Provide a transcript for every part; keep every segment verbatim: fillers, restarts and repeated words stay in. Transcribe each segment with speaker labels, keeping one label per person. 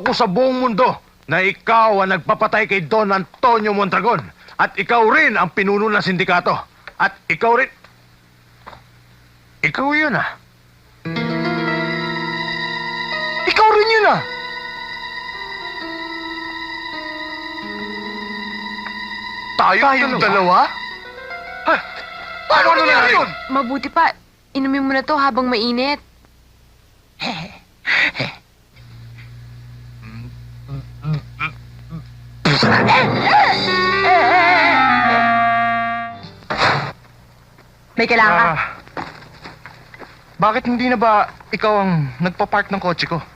Speaker 1: ko sa buong mundo na ikaw ang nagpapatay kay Don Antonio Mondragon. At ikaw rin ang pinuno ng sindikato. At ikaw rin... Ikaw yun ah. Ikaw rin yun ah. Tayo Tayong dalawa? Ha? Paano ano nangyari yun?
Speaker 2: Mabuti pa, inumin mo na to habang mainit. May kailangan ka?
Speaker 1: Ah, bakit hindi na ba ikaw ang nagpa-park ng kotse ko?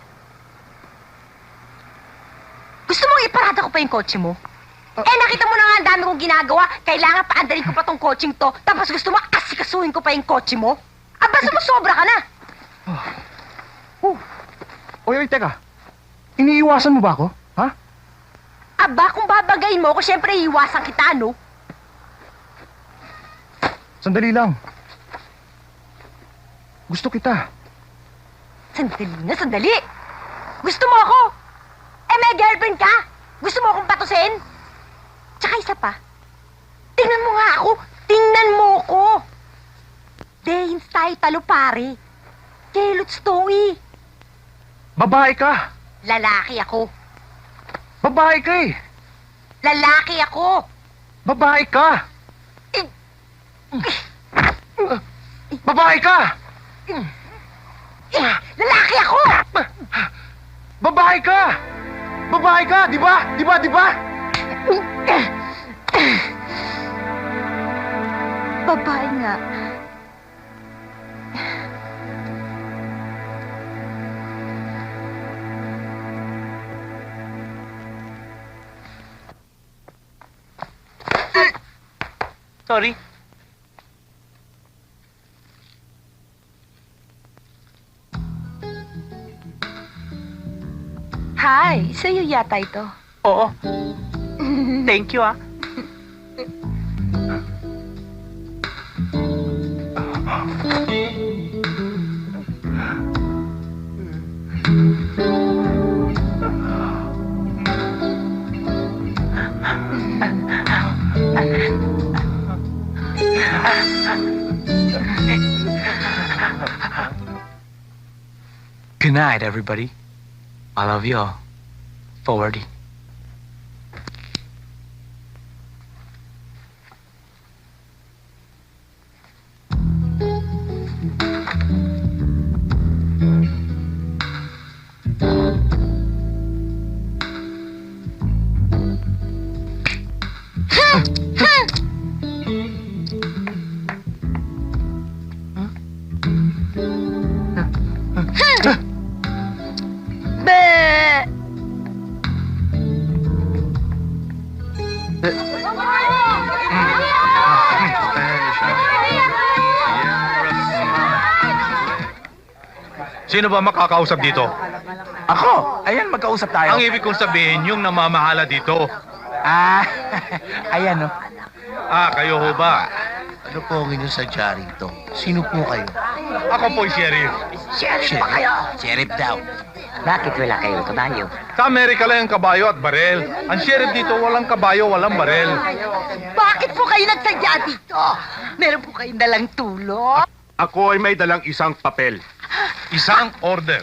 Speaker 3: Gusto mong iparada ko pa yung kotse mo?
Speaker 1: Ah.
Speaker 3: Eh, nakita mo na nga ang dami kong ginagawa. Kailangan paandarin ko pa tong kotseng to. Tapos gusto mo asikasuhin ko pa yung kotse mo? Aba, sumusobra ka na.
Speaker 1: Oh. Oy, oy, teka. Iniiwasan mo ba ako? Ha?
Speaker 3: Aba, kung babagayin mo ako, syempre iiwasan kita, no?
Speaker 1: Sandali lang. Gusto kita.
Speaker 3: Sandali na, sandali. Gusto mo ako? Eh, may girlfriend ka? Gusto mo akong patusin? Tsaka isa pa. Tingnan mo nga ako. Tingnan mo ko. Dehins tayo talo, pare. Kelots to, eh.
Speaker 1: Babae ka.
Speaker 3: Lalaki ako.
Speaker 1: Babae ka eh.
Speaker 3: Lalaki ako.
Speaker 1: Babae ka. Babae ka.
Speaker 3: Eh, lalaki ako.
Speaker 1: Babae ka. Babae ka, di ba? Di ba, di ba?
Speaker 3: Babae nga.
Speaker 4: Sorry.
Speaker 2: Hi, sa'yo yata ito.
Speaker 4: Oo. Thank you, ah.
Speaker 5: Good night, everybody. I love you all. Forwardy.
Speaker 1: Sino ba makakausap dito?
Speaker 5: Ako! Ayan, magkausap tayo.
Speaker 1: Ang ibig kong sabihin, yung namamahala dito.
Speaker 5: Ah, ayan, no?
Speaker 1: Ah, kayo ho ba?
Speaker 6: Ano po ang inyong sadya rito? Sino po kayo?
Speaker 1: Ako po'y sheriff.
Speaker 3: Sheriff pa kayo.
Speaker 6: Sheriff daw.
Speaker 3: Bakit wala kayong kabayo?
Speaker 1: Sa Amerika lang ang kabayo at barel. Ang sheriff dito, walang kabayo, walang barel.
Speaker 3: Bakit po kayo nagsadya dito? Meron po kayong dalang tulong?
Speaker 1: Ako ay may dalang isang papel. Isang order.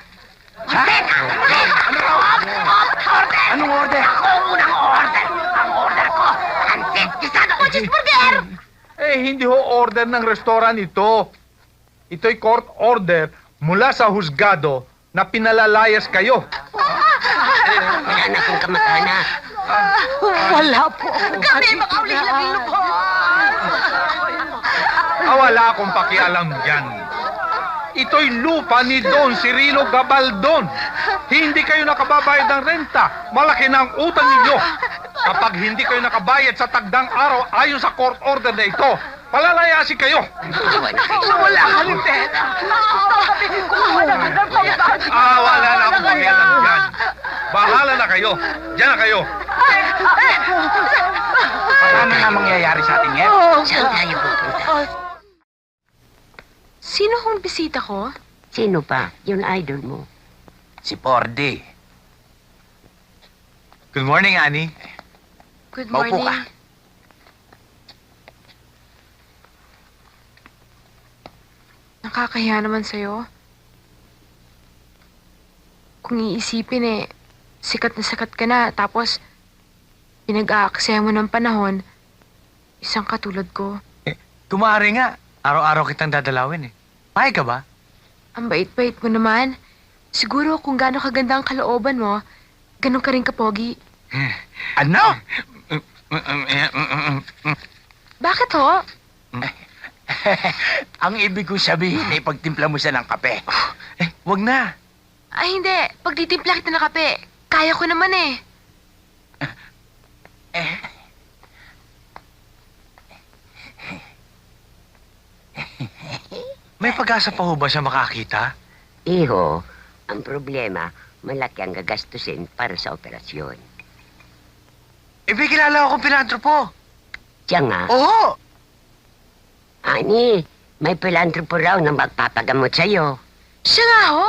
Speaker 5: Anong order?
Speaker 3: Ako ang unang order. Ang order ko, antit kisado ko cheeseburger.
Speaker 1: Eh, hindi ho order ng restaurant ito. Ito'y court order mula sa husgado na pinalalayas kayo.
Speaker 3: Wala na akong kamag-anak. Wala po. Kami mga uling-labing lubos.
Speaker 1: Ah, wala akong pakialam dyan. Ito'y lupa ni Don Cirilo Gabaldon. Hindi kayo nakababayad ng renta. Malaki na ang utang ninyo. Kapag hindi kayo nakabayad sa tagdang araw ayon sa court order na ito, palalayasin kayo.
Speaker 3: Wala kami pera. Wala kami ng pambagi.
Speaker 1: Ah, wala na akong pakialam dyan. Bahala na kayo. Diyan na kayo.
Speaker 5: Ano na mangyayari sa atin ngayon?
Speaker 3: Saan tayo pupunta?
Speaker 2: Sino hong bisita ko?
Speaker 3: Sino pa? Yung idol mo.
Speaker 5: Si Pordy. Good morning, Annie.
Speaker 2: Good
Speaker 6: Maupo
Speaker 2: morning.
Speaker 6: ka.
Speaker 2: Nakakahiya naman sa'yo. Kung iisipin eh, sikat na sikat ka na, tapos pinag-aaksaya mo ng panahon, isang katulad ko.
Speaker 5: Kumari nga. Araw-araw kitang dadalawin eh. Payag ka ba?
Speaker 2: Ang bait-bait mo naman. Siguro kung gaano kaganda ang kalooban mo, ganon ka rin kapogi.
Speaker 6: Ano?
Speaker 2: Bakit ho?
Speaker 6: Ang ibig kong sabihin ay pagtimpla mo siya ng kape.
Speaker 5: Eh, wag na.
Speaker 2: Ay hindi, pag titimpla kita ng kape, kaya ko naman eh.
Speaker 5: May pag-asa pa ho ba siya makakita?
Speaker 7: Iho, ang problema, malaki ang gagastusin para sa operasyon.
Speaker 5: Eh, may kilala akong pilantropo.
Speaker 7: Siya nga,
Speaker 5: Oo!
Speaker 7: Ani, may pilantropo raw na magpapagamot sa'yo.
Speaker 2: Siya nga ho?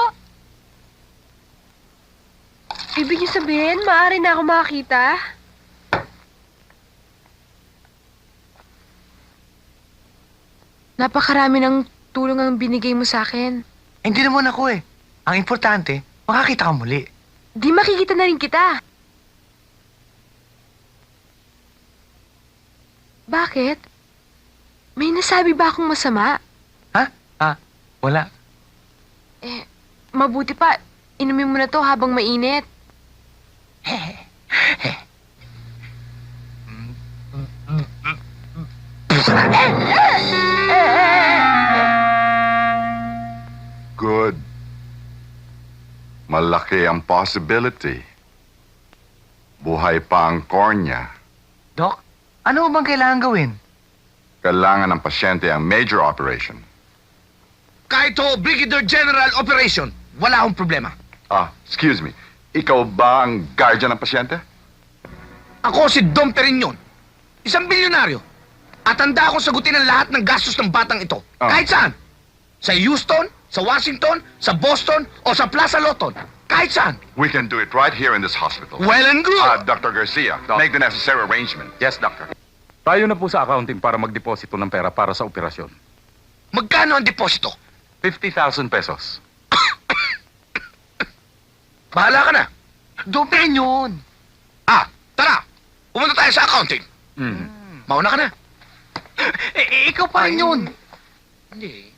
Speaker 2: Ibig niyo sabihin, maaari na ako makakita? Napakarami ng tulong ang binigay mo sa akin.
Speaker 5: Hindi naman ako eh. Ang importante, makakita ka muli.
Speaker 2: Di makikita na rin kita. Bakit? May nasabi ba akong masama?
Speaker 5: Ha? Ah, wala.
Speaker 2: Eh, mabuti pa, inumin mo na to habang mainit.
Speaker 8: Good. Malaki ang possibility. Buhay pa ang cornea.
Speaker 5: Doc, ano bang kailangan gawin?
Speaker 8: Kailangan ng pasyente ang major operation.
Speaker 6: Kahit ho, Brigadier General Operation, wala akong problema.
Speaker 8: Ah, excuse me. Ikaw ba ang guardian ng pasyente?
Speaker 6: Ako si Dom Perignon, isang bilyonaryo. At handa akong sagutin ang lahat ng gastos ng batang ito.
Speaker 8: Ah.
Speaker 6: Kahit saan. Sa Houston, sa Washington, sa Boston, o sa Plaza Loton. Kahit saan.
Speaker 8: We can do it right here in this hospital.
Speaker 6: Well and good.
Speaker 8: Ah, Doctor Garcia, make the necessary arrangement. Yes, doctor.
Speaker 9: Tayo na po sa accounting para magdeposito ng pera para sa operasyon.
Speaker 6: Magkano ang deposito?
Speaker 9: fifty thousand pesos.
Speaker 6: Bahala ka na.
Speaker 5: Dopen yun.
Speaker 6: Ah, tara. Pumunta tayo sa accounting.
Speaker 9: Mm.
Speaker 6: Mauna ka na.
Speaker 5: Eh, eh, ikaw pa rin yun.
Speaker 6: Hindi.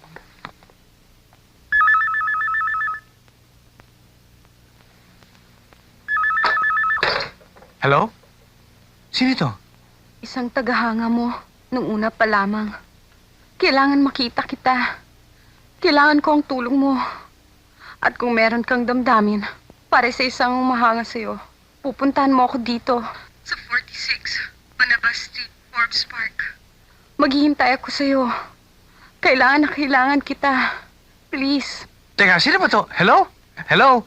Speaker 5: Hello? Sino ito?
Speaker 3: Isang tagahanga mo nung una pa lamang. Kailangan makita kita. Kailangan ko ang tulong mo. At kung meron kang damdamin para sa isang umahanga sa'yo, pupuntahan mo ako dito. Sa forty-six, Banabas Street, Forbes Park. Maghihintay ako sa'yo. Kailangan na kailangan kita. Please.
Speaker 5: Teka, sino ba to? Hello? Hello?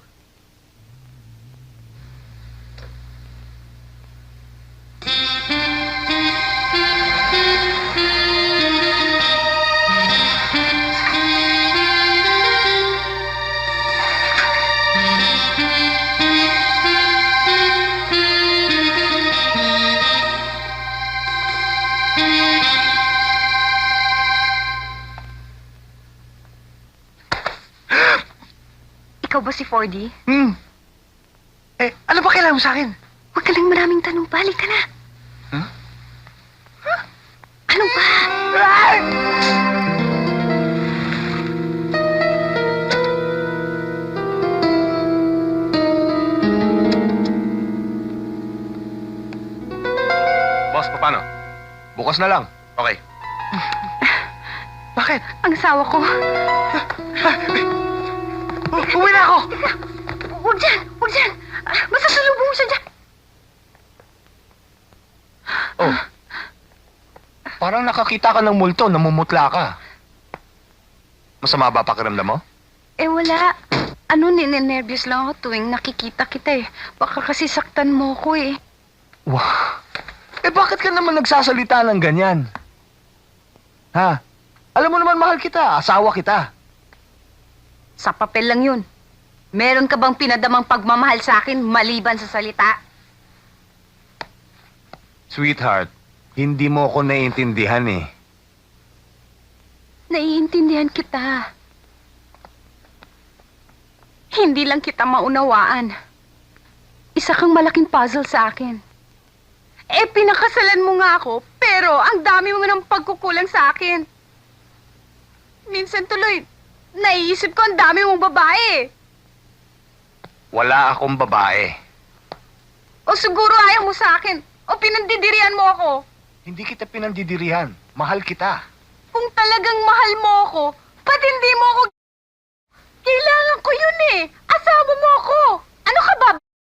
Speaker 3: Ikaw ba si four D?
Speaker 5: Hmm. Eh, ano ba kailangan mo sa akin?
Speaker 3: Huwag ka lang maraming tanong. Balik ka na.
Speaker 5: Huh?
Speaker 3: Ano ba?
Speaker 9: Boss, paano?
Speaker 6: Bukas na lang. Okay.
Speaker 5: Bakit?
Speaker 3: Ang asawa ko.
Speaker 5: U- uwi na ako!
Speaker 3: Huwag dyan! Huwag dyan! Ah, masasalubong mo siya dyan!
Speaker 6: Oh. Parang nakakita ka ng multo, namumutla ka. Masama ba pakiramdam mo?
Speaker 3: Eh wala. Ano, ninenervyos lang ako tuwing nakikita kita eh. Baka kasi saktan mo ko eh.
Speaker 6: Wow. Eh bakit ka naman nagsasalita ng ganyan? Ha? Alam mo naman mahal kita, asawa kita.
Speaker 3: Sa papel lang yun. Meron ka bang pinadamang pagmamahal sa akin maliban sa salita?
Speaker 6: Sweetheart, hindi mo ako naiintindihan eh.
Speaker 10: Naiintindihan kita. Hindi lang kita maunawaan. Isa kang malaking puzzle sa akin. Eh, pinakasalan mo nga ako, pero ang dami mo ng pagkukulang sa akin. Minsan tuloy, naiisip ko ang dami mong babae.
Speaker 6: Wala akong babae.
Speaker 10: O siguro ayaw mo sa akin, o pinandidirihan mo ako.
Speaker 6: Hindi kita pinandidirihan. Mahal kita.
Speaker 10: Kung talagang mahal mo ako, ba't hindi mo ako... Kailangan ko yun eh. Asawa mo ako. Ano ka ba?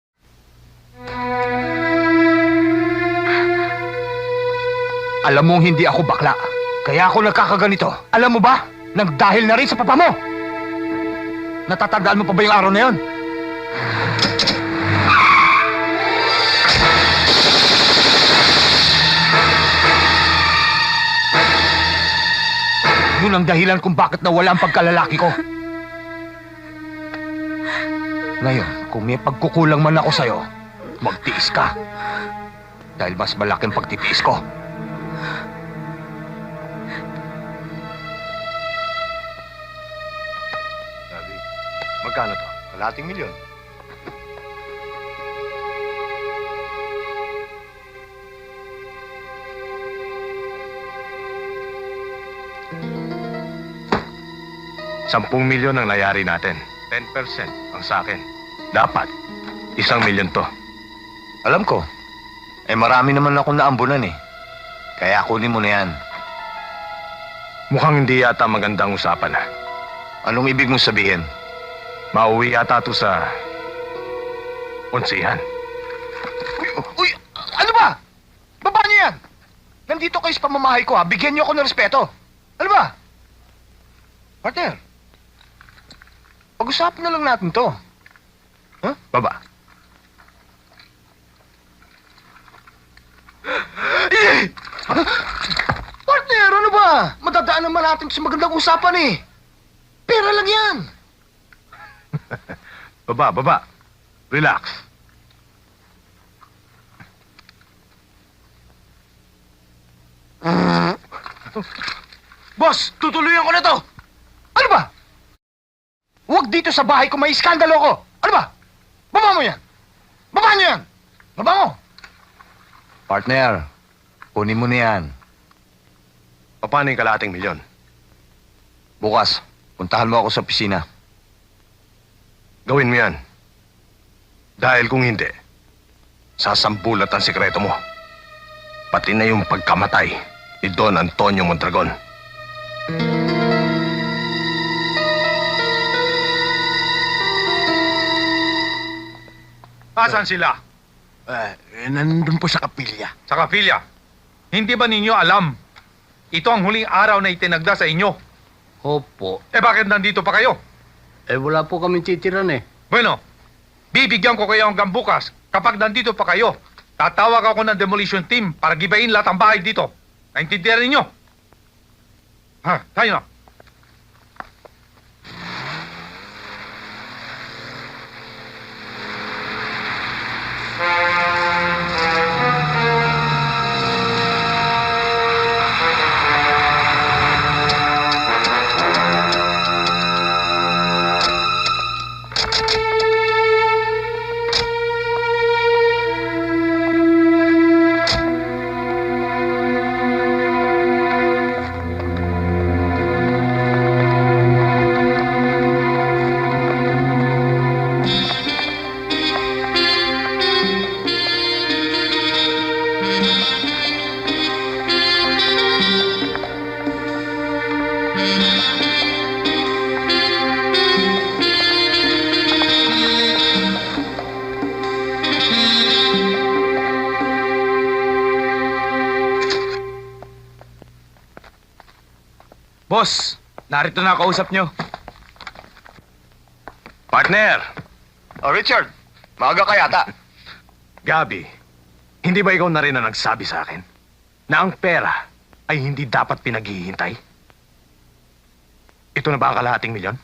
Speaker 6: Alam mong hindi ako bakla. Kaya ako nagkakaganito. Alam mo ba? Nagdahil na rin sa papa mo. Natatandaan mo pa ba yung araw na yon? Yun ang dahilan kung bakit nawala ang pagkalalaki ko. Ngayon, kung may pagkukulang man ako sa'yo, magtiis ka. Dahil mas malaking pagtitiis ko. Sabi, magkano to? Kalating milyon.
Speaker 11: Sampung milyon ang layari natin. Ten percent ang sa akin. Dapat, isang milyon to.
Speaker 6: Alam ko. Eh marami naman akong naambunan eh. Kaya kunin mo na yan.
Speaker 11: Mukhang hindi yata magandang usapan ha.
Speaker 6: Anong ibig mong sabihin?
Speaker 11: Mauwi yata to sa... onsihan.
Speaker 6: Uy, uy, ano ba? Baba niyo yan! Nandito kayo sa pamamahay ko ha. Bigyan niyo ako ng respeto. Ano ba? Partner, pag-usapan na lang natin to. Huh?
Speaker 11: Baba.
Speaker 6: Eh! Partner, ano ba? Madadaan naman natin sa magandang usapan eh. Pera lang yan.
Speaker 11: Baba, baba. Relax.
Speaker 6: Boss, tutuloyan ko na to. Ano ba? Huwag dito sa bahay ko may iskandalo ko. Ano ba? Baba mo yan. Baba niyo yan. Baba mo. Partner, kunin mo na yan.
Speaker 11: Paano yung kalating milyon?
Speaker 6: Bukas, puntahan mo ako sa opisina.
Speaker 11: Gawin mo yan. Dahil kung hindi, sasambulat ang sikreto mo. Pati na yung pagkamatay ni Don Antonio Mondragon.
Speaker 1: Asan sila?
Speaker 6: Eh, nandun po sa kapilya.
Speaker 1: Sa kapilya. Hindi ba ninyo alam? Ito ang huling araw na itinagda sa inyo.
Speaker 12: Opo.
Speaker 1: Eh bakit nandito pa kayo?
Speaker 12: Eh wala po kami titiran eh.
Speaker 1: Bueno, bibigyan ko kayo hanggang bukas. Kapag nandito pa kayo, tatawag ako ng demolition team para gibain lahat ang bahay dito. Naintindihan ninyo? Ha, tayo na.
Speaker 5: Boss, narito na kausap nyo.
Speaker 11: Partner!
Speaker 6: Oh, Richard, maaga ka yata.
Speaker 11: Gabi, hindi ba ikaw na rin ang nagsabi sa akin na ang pera ay hindi dapat pinaghihintay? Ito na ba ang kalahating milyon?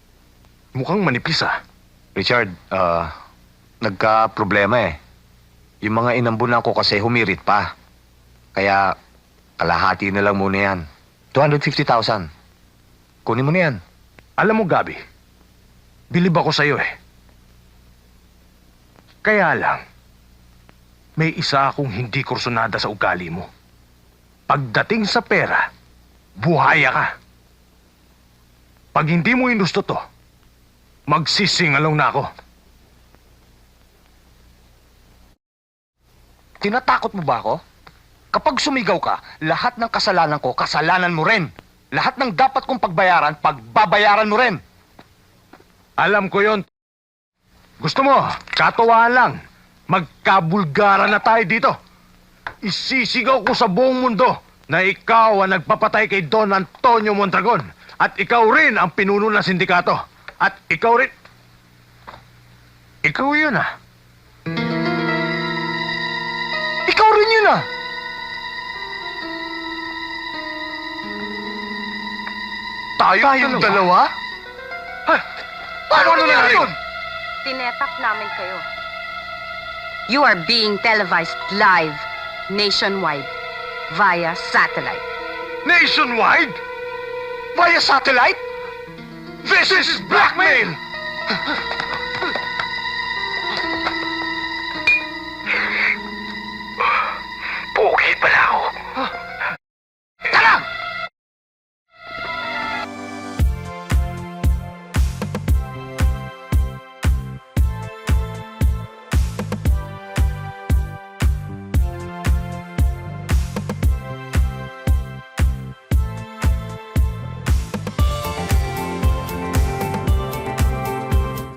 Speaker 11: Mukhang manipis ah.
Speaker 6: Richard, ah, nagka-problema eh. Yung mga inambunan ko kasi humirit pa. Kaya kalahati na lang muna yan. two hundred fifty thousand. Kunin mo na yan.
Speaker 11: Alam mo, Gabi, bilib ako sa'yo eh. Kaya lang, may isa akong hindi kursunada sa ugali mo. Pagdating sa pera, buhaya ka. Pag hindi mo inusto to, magsisingalong na ako.
Speaker 6: Tinatakot mo ba ako? Kapag sumigaw ka, lahat ng kasalanan ko, kasalanan mo rin. Lahat ng dapat kong pagbayaran, pagbabayaran mo rin.
Speaker 11: Alam ko yon. Gusto mo, katuwaan lang. Magkabulgaran na tayo dito. Isisigaw ko sa buong mundo na ikaw ang nagpapatay kay Don Antonio Mondragon. At ikaw rin ang pinuno ng sindikato. At ikaw rin... Ikaw yun ah.
Speaker 6: Ikaw rin yun ah.
Speaker 11: Tayo
Speaker 6: Tayong dalawa? Ha? Paano nangyari yun?
Speaker 10: Tinetap namin kayo. You are being televised live, nationwide, via satellite.
Speaker 11: Nationwide? Via satellite? This is blackmail!